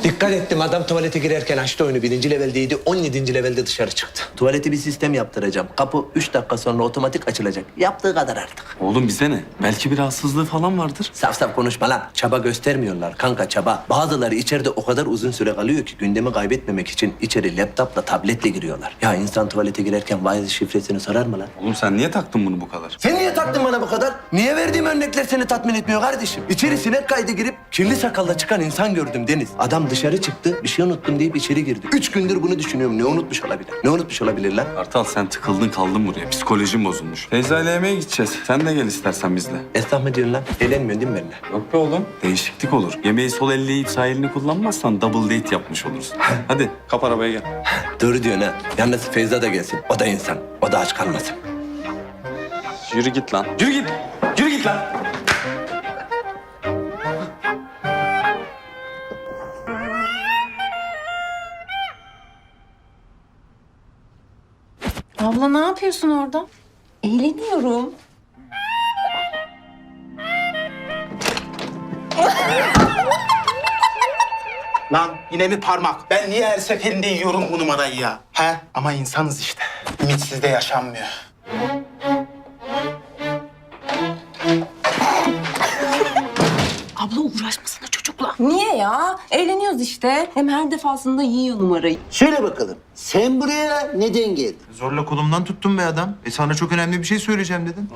Dikkat ettim, adam tuvalete girerken açtı oyunu. 1. leveldeydi, 17. levelde dışarı çıktı. Tuvalete bir sistem yaptıracağım. Kapı 3 dakika sonra otomatik açılacak. Yaptığı kadar artık. Oğlum bize ne? Belki bir rahatsızlığı falan vardır. Saf saf konuşma lan. Çaba göstermiyorlar kanka, çaba. Bazıları içeride o kadar uzun süre kalıyor ki gündemi kaybetmemek için içeri laptopla, tabletle giriyorlar. Ya insan tuvalete girerken Wi-Fi şifresini sorar mı lan? Oğlum sen niye taktın bunu bu kadar? Sen niye taktın bana bu kadar? Niye verdiğim örnekler seni tatmin etmiyor kardeşim? İçeri sinek kaydı girip kirli sakalla çıkan insan gördüm Deniz. Adam dışarı çıktı, bir şey unuttum deyip içeri girdi. 3 gündür bunu düşünüyorum. Ne unutmuş olabilir? Ne unutmuş olabilir lan? Kartal sen tıkıldın kaldın buraya. Psikolojin bozulmuş. Feyza ile yemeğe gideceğiz. Sen de gel istersen bizle. Esnaf mı diyorsun lan? Eğlenmiyorsun değil mi benimle? Yok be oğlum. Değişiklik olur. Yemeği sol elle yiyip sağ elini kullanmazsan double date yapmış olursun. Hadi kap arabaya gel. Doğru diyorsun ha. Yalnız Feyza da gelsin. O da insan. O da aç kalmasın. Yürü git lan. Yürü git. Yürü git lan. Abla ne yapıyorsun orada? Eğleniyorum. Lan yine mi parmak? Ben niye her seferinde yiyorum bu numarayı ya? He? Ama insanız işte. Ümitsiz de yaşanmıyor. Abla uğraşmasana çocukla. Niye ya? Eğleniyoruz işte. Hem her defasında yiyor numarayı. Söyle bakalım. Sen buraya neden geldin? Zorla kolumdan tuttun be adam. Sana çok önemli bir şey söyleyeceğim dedin.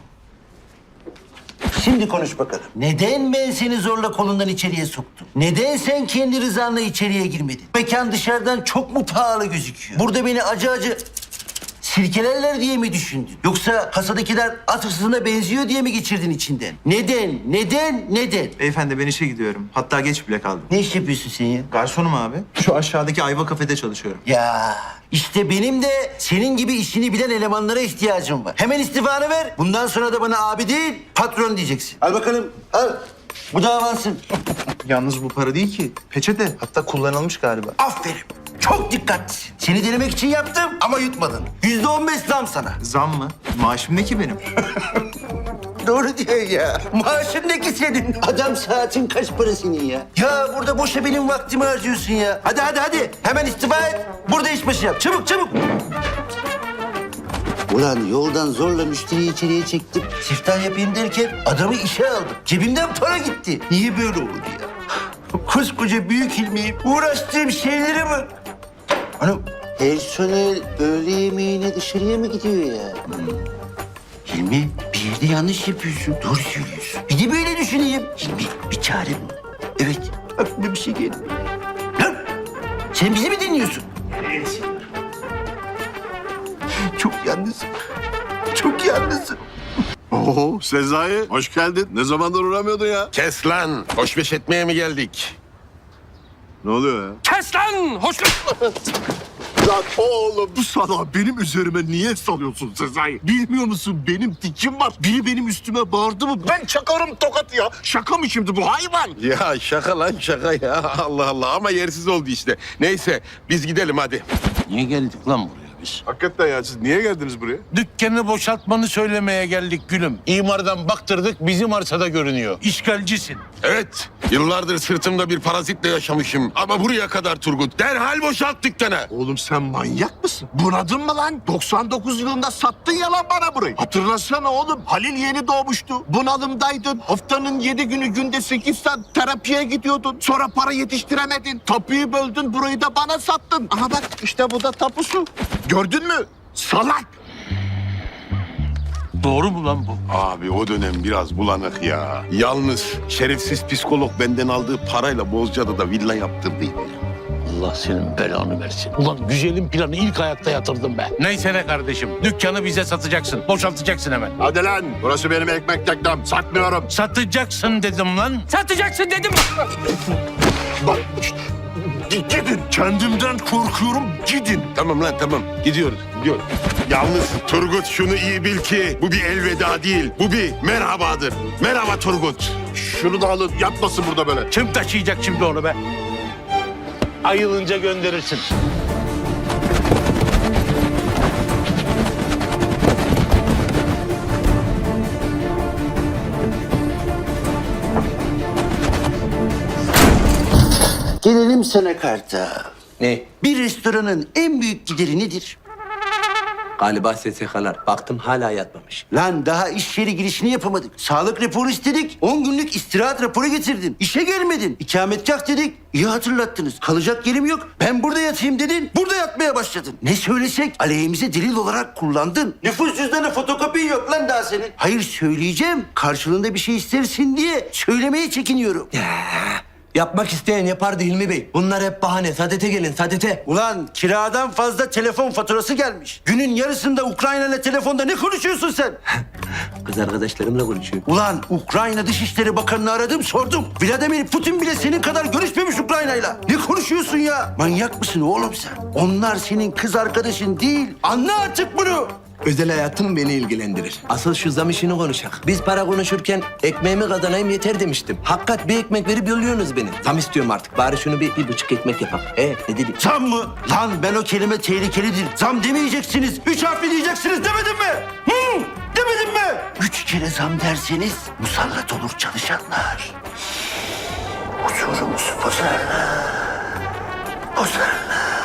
Şimdi konuş bakalım. Neden ben seni zorla kolundan içeriye soktum? Neden sen kendi rızanla içeriye girmedin? Mekan dışarıdan çok mu pahalı gözüküyor? Burada beni acı acı sirkelerler diye mi düşündün? Yoksa kasadakiler at hırsızına benziyor diye mi geçirdin içinden? Neden? Neden? Neden? Beyefendi ben işe gidiyorum. Hatta geç bile kaldım. Ne iş yapıyorsun sen ya? Garsonum abi. Şu aşağıdaki Ayva kafede çalışıyorum. Ya işte benim de senin gibi işini bilen elemanlara ihtiyacım var. Hemen istifanı ver. Bundan sonra da bana abi değil, patron diyeceksin. Al bakalım, al. Bu da avansın. Yalnız bu para değil ki. Peçete. Hatta kullanılmış galiba. Aferin. Çok dikkatlisin. Seni denemek için yaptım ama yutmadın. %15 zam sana. Zam mı? Maaşım ne ki benim? Doğru diyor ya. Maaşın ne ki senin? Adam saatin kaç para senin ya? Ya burada boşa benim vaktimi harcıyorsun ya. Hadi hadi hadi. Hemen istifa et. Burada işbaşı yap. Çabuk çabuk. Ulan yoldan zorla müşteriyi içeriye çektim. Siftah yapayım derken adamı işe aldım. Cebimden para gitti. Niye böyle oldu ya? Koskoca büyük ilmiyim. Uğraştığım şeylere bak. Hanım, personel öğle yemeğine dışarıya mı gidiyor ya? Hilmi, bir yerde yanlış yapıyorsun. Doğru söylüyorsun. Bir de böyle düşüneyim. Hilmi, bir çare bul. Evet, aklıma bir şey geldi. Lan, sen bizi mi dinliyorsun? Evet. Çok yalnızım. Çok yalnızım. Oo Sezai, hoş geldin. Ne zamandır uğramıyordun ya? Kes lan! Hoşbeş etmeye mi geldik? Ne oluyor ya? Kes lan! Lan oğlum bu sana benim üzerime niye salıyorsun Sezai? Bilmiyor musun benim dikim var. Biri benim üstüme bağırdı mı ben çakarım tokat ya. Şaka mı şimdi bu hayvan? Ya şaka lan şaka ya. Allah Allah ama yersiz oldu işte. Neyse biz gidelim hadi. Niye geldik lan buraya biz? Hakikaten ya siz niye geldiniz buraya? Dükkanı boşaltmanı söylemeye geldik gülüm. İmardan baktırdık bizim arsada görünüyor. İşgalcisin. Evet yıllardır sırtımda bir parazitle yaşamışım. Ama buraya kadar Turgut. Derhal boşalt dükkanı. Oğlum sen manyak mısın? Bunadın mı lan? 99 yılında sattın ya lan bana burayı. Hatırlasana oğlum. Halil yeni doğmuştu. Bunalımdaydın. Haftanın 7 günü günde 8 saat terapiye gidiyordun. Sonra para yetiştiremedin. Tapuyu böldün. Burayı da bana sattın. Aha bak işte bu da tapusu. Gördün mü? Salak. Doğru mu lan bu? Abi o dönem biraz bulanık ya. Yalnız şerefsiz psikolog benden aldığı parayla Bozcaada'da villa yaptırdıydı. Allah senin belanı versin. Ulan güzelim planı ilk ayakta yatırdım be. Neyse ne kardeşim. Dükkanı bize satacaksın. Boşaltacaksın hemen. Hadi lan. Burası benim ekmek teknem. Satmıyorum. Satacaksın dedim lan. Satacaksın dedim. Bak gidin. Kendimden korkuyorum. Gidin. Tamam lan tamam gidiyoruz. Yalnız Turgut şunu iyi bil ki bu bir elveda değil. Bu bir merhabadır. Merhaba Turgut. Şunu da alın. Yapmasın burada böyle. Kim taşıyacak şimdi onu be? Ayılınca gönderirsin. Gelelim Sorayım sana Kartal. Ne? Bir restoranın en büyük gideri nedir? Galiba SSK'lar. Baktım hala yatmamış. Lan daha iş yeri girişini yapamadık. Sağlık raporu istedik. 10 günlük istirahat raporu getirdin. İşe gelmedin. İkametgah dedik. İyi hatırlattınız. Kalacak yerim yok. Ben burada yatayım dedin. Burada yatmaya başladın. Ne söylesek aleyhimize delil olarak kullandın. Nüfus cüzdanı fotokopin yok lan daha senin. Hayır söyleyeceğim. Karşılığında bir şey istersin diye söylemeye çekiniyorum. Yapmak isteyen yapardı Hilmi Bey. Bunlar hep bahane. Sadete gelin, sadete. Ulan kiradan fazla telefon faturası gelmiş. Günün yarısında Ukrayna ile telefonda ne konuşuyorsun sen? Kız arkadaşlarımla konuşuyor. Ulan Ukrayna Dışişleri Bakanı'nı aradım sordum. Vladimir Putin bile senin kadar görüşmemiş Ukrayna'yla. Ne konuşuyorsun ya? Manyak mısın oğlum sen? Onlar senin kız arkadaşın değil. Anla artık bunu. Özel hayatım beni ilgilendirir. Asıl şu zam işini konuşak. Biz para konuşurken ekmeğimi kazanayım yeter demiştim. Hakikat bir ekmek verip yolluyorsunuz beni. Zam istiyorum artık. Bari şunu bir buçuk ekmek yapak. Ne dedik? Zam mı? Lan ben o kelime tehlikelidir. Zam demeyeceksiniz. 3 harfli diyeceksiniz demedim mi? Demedim mi? 3 kere zam derseniz musallat olur çalışanlar. Huzurumuzu bozarlar. Bozarlar.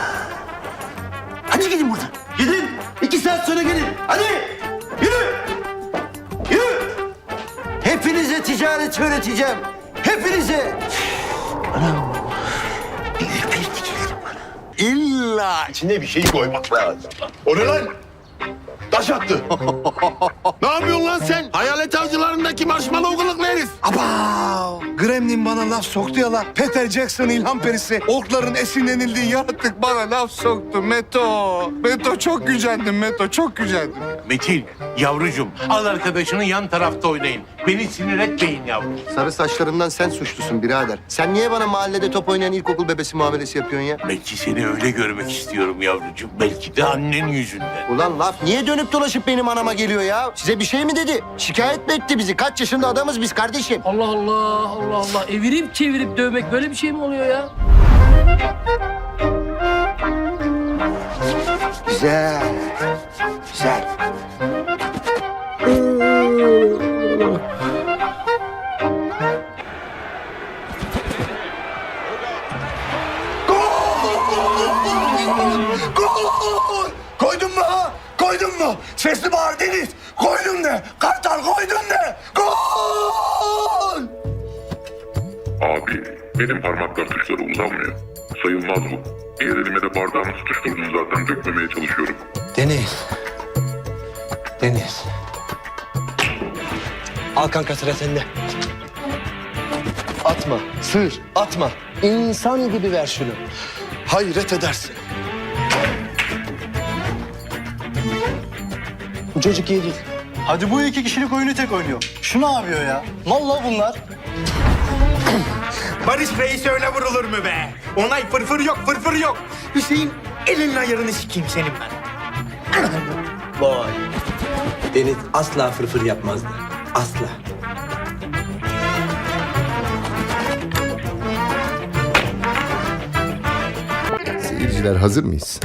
Hadi gidin buradan. Gidin. 2 saat sonra gelin. Hadi. Yürü. Yürü. Hepinize ticaret öğreteceğim. Hepinize. Anam. Bir ürperti geldi bana. İlla içine bir şey koymak lazım. O ne lan? Taş attı. Ne yapıyorsun lan sen? Hayalet avcılarındaki marshmallow kılıklı herif. Aba! Gremlin bana laf soktu ya la. Peter Jackson ilham perisi. Orkların esinlenildiği yaratık bana laf soktu. Meto. Meto çok gücendim Meto. Çok gücendim. Metin, yavrucuğum al arkadaşını yan tarafta oynayın. Beni sinir etmeyin yavrum. Sarı saçlarından sen suçlusun birader. Sen niye bana mahallede top oynayan ilkokul bebesi muamelesi yapıyorsun ya? Belki seni öyle görmek istiyorum yavrucuğum. Belki de annen yüzünden. Ulan laf niye dönüp dolaşıp benim anama geliyor ya? Size bir şey mi dedi? Şikayet mi etti bizi? Kaç yaşında adamız biz kardeşim? Allah Allah, Allah Allah. Evirip çevirip dövmek böyle bir şey mi oluyor ya? Güzel. Güzel. Gol! Koydun mu ha? Koydun mu? Sesli bağır Deniz. Koydun de. Kartal koydun de. Gol! Abi benim parmaklar tuşlara uzanmıyor. Sayılmaz bu. Diğer elime de bardağımı tutuşturdum zaten. Dökmemeye çalışıyorum. Deniz. Deniz. Al kanka sıra sende. Atma. Sığır. Atma. İnsan gibi ver şunu. Hayret edersin. Bu çocuk iyi değil. Hadi bu 2 kişilik oyunu tek oynuyor. Şu ne yapıyor ya? Vallahi bunlar. Barış Reis öyle vurulur mu be? Onay fırfır yok, fırfır yok. Hüseyin elinin ayarını sikeyim senin ben. Vay. Deniz asla fırfır yapmazdı. Asla. Seyirciler hazır mıyız?